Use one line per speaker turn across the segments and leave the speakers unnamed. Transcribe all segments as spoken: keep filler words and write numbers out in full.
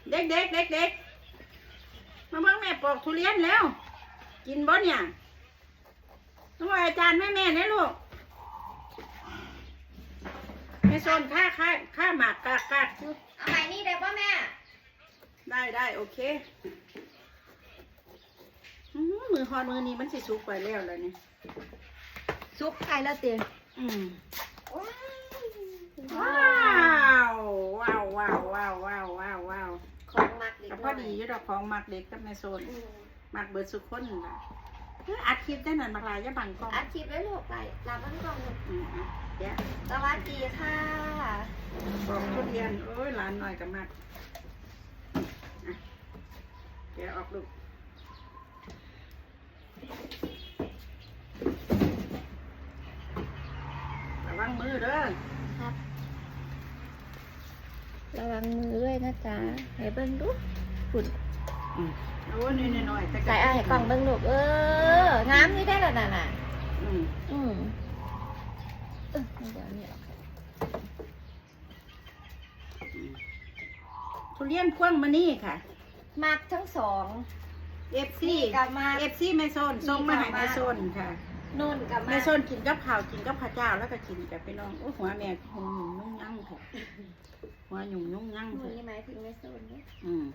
เด็กเด็กเด็กเด็กมาเบิ่งแม่ปอกทุเรียนแล้วกินบ่เนี่ยน้องอาจารย์แม่แม่เนี่ยลูกแม่โซนค่าค่าค่าหมากกากกาก
เอาใหม่นี่ได้ป่ะแม่
ได้ได้โอเคมือฮอนมือนี้มันสิสุกไปแล้วเลยเนี่ย
ซุปไข่แล้วเตีย
อืมว้าวว้าวว้าวว้าวว้าวว้าวว้าว
ของมักเด็ก
พอดีอยู่ดอกของมักเด็กกับแม่โซนมักเบิดสุกคนล่ะอัดคลิปได้นั่นมักลายจะบังกล้อง
อัดคลิปไว้ลูกไปลาบ้านกล้อง
เดี๋ยว
สวัสดีค่ะ
บอกทุเรียนโอ้ยหลานหน่อยกับมักเดี๋ยวออกลูกระวังมือเด้อ
ครับระวังมือด้วยนะจ๊ะให้เบิ้งดูฝุ่น
โอ้ยนิดหน่อย
ใส่ไอ้กล่องเบิ้งลูกเอองามนี่ได้แล้วน่ะน่ะ
อืม
อืมเออเดี๋ยวนี้
ทุเรียนพ่วงมานี่ค่ะ
มักทั้งสอง
เอฟซี
กับมา
เอฟซีแม่โซนส่งมาให้แม่โซนค่ะ
นุ่นกับ
แม่โซนกินกับข้าวกินกับข้าวเจ้าแล้วก็กินกับพี่น้องโอ้หัวแม่หัวหยุ่งนุ่งยั่งค่ะหัวหยุ่งนุ่งยั่งค่ะ
นี่หมายถึงแม่โซนเนี่ย
อืม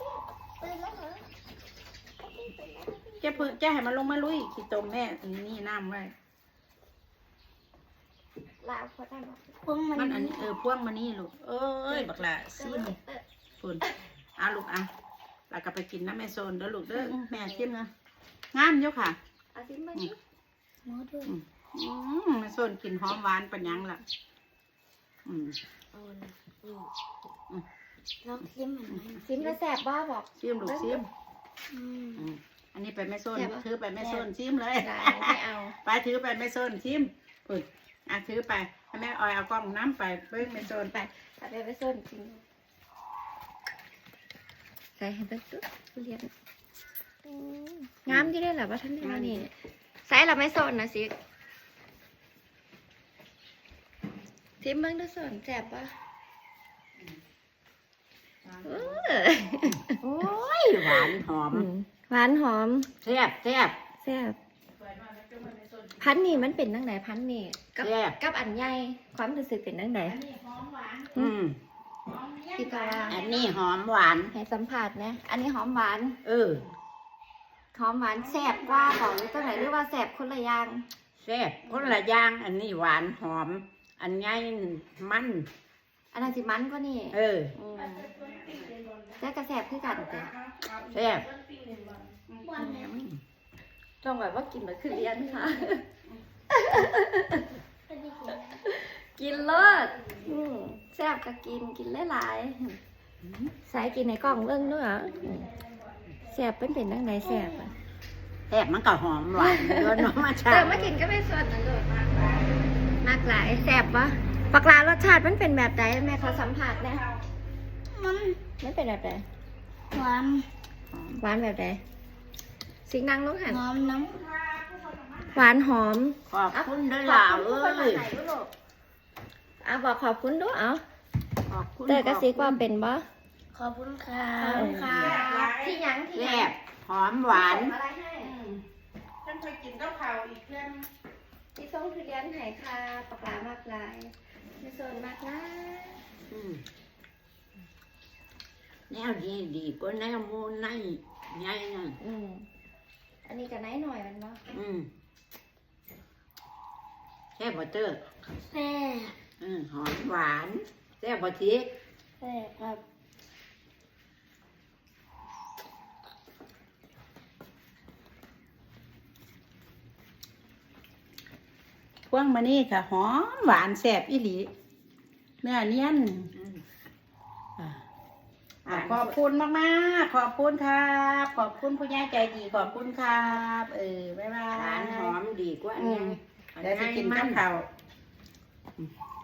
จะเพิ่งจะให้มันลงมาลุยขี้ตมแม่นี่น้ำไว้
ลาวเขาได้
พวงมันอันนี้เออพวงมานี่ลูกเอ้ยบักละซิมฝุ่นเอาลูกอ่ะแล้วก็ไปกินน้ำแม่โซนเด้อลูกเด้อแม่ชิมนะงามเยอะค่ะ
เอาซิมมาดิหมอด้วย
อืมแม่โซนกินหอมหวานปัญญังล่ะอืม
เอาละอืมอืมลองซิมมันไหมซิมแล้วแสบบ้าบอก
ซิมลูกซิมอืมอันนี้ไปแม่โซนถือไปแม่โซนซิมเลย
ไม่เอา
ไปถือไปแม่โซนซิมฝุ่นอ่ะถือไปให้แม่ออยเอากล้องน้ำไปเบิ้งแม่โซน
ไปไปไปโซนจริงใส่ให้เบิ้งตุ๊เรียนงามที่ได้หรอว่าท่านนี่นี่ใส่เราไม่โซนนะสิทิมเบิ้งดูโซนแสบปะ
โอ้ยหวานหอม
หวานหอม
แซ่บแซ่บ
แซ่บพันนี่มันเป็นตั้งไหนพันนี่กับกับอันใหญ่ความรู้สึกเป็นตั้งไหน
อืม
พี่กา
อันนี้หอมหวาน
ให้สัมผัสนะอันนี้หอมหวาน
เออ
หอมหวานแซ่บกว่าของตั้งไหนหรือว่าแซ่บคนละอย่าง
แซ่บคนละอย่างอันนี้หวานหอมอันใหญ่มัน
อันนั้นสิมันกว่านี่
เออ
แล้วก็แซ่บคือกันแต่
แซ่บ
ต้องแบบว่ากินแบบคือเรียนค่ะกินเลิศแซ่บก็กินกินหลายๆใส่กินในกล่องเรื่องด้วยเหรอแซ่บเป็นเป็นตั้งไหนแซ่บอ่ะ
แซ่บมันก็หอมหวานเยอะน้องมาชา
แต่มากินก็ไม่ส่วนนั่นเลยมากหลายแซ่บวะปลารสชาติมันเป็นแบบไหนแม่ขอสัมผัสนะมันมันเป็นแบบไหนหวานหวานแบบไหนสิ่งนั่งลูกหันหอมน้ำหวานหอม
ขอบคุณด้วยล่ะเอ้ย
อ่ะบอกขอบคุณด้วยเอาเตยกระซิบว่าเป็นบ่
ขอบคุณค่ะ
ที่ยังที่
แซ่บหอมหวาน
อะไรให้
ฉันเคยกินข้าวเผาอีกเพื่อน
ที่ส่งทุเรียนไห่ค่ะปลามากลายในโซนมากลาย
แนวดีดีก็แนวมูนในใหญ่น่ะ
อืมอันนี้ก็ไหนหน่อยมันบ่
อืมแซ่บบ่เตอร์
แซ่บ
อืมหอมหวานแซ่บบ่ทิ
แซ่บครับ
พวงมานี่ค่ะหอมหวานแซ่บอีหลีเนื้อเนียนขอบคุณมากมากขอบคุณครับขอบคุณผู้ใหญ่ใจดีขอบคุณครับเออบ๊ายบายหวานหอมดีกว่าอันนี้เดี๋ยวจะกินข้าว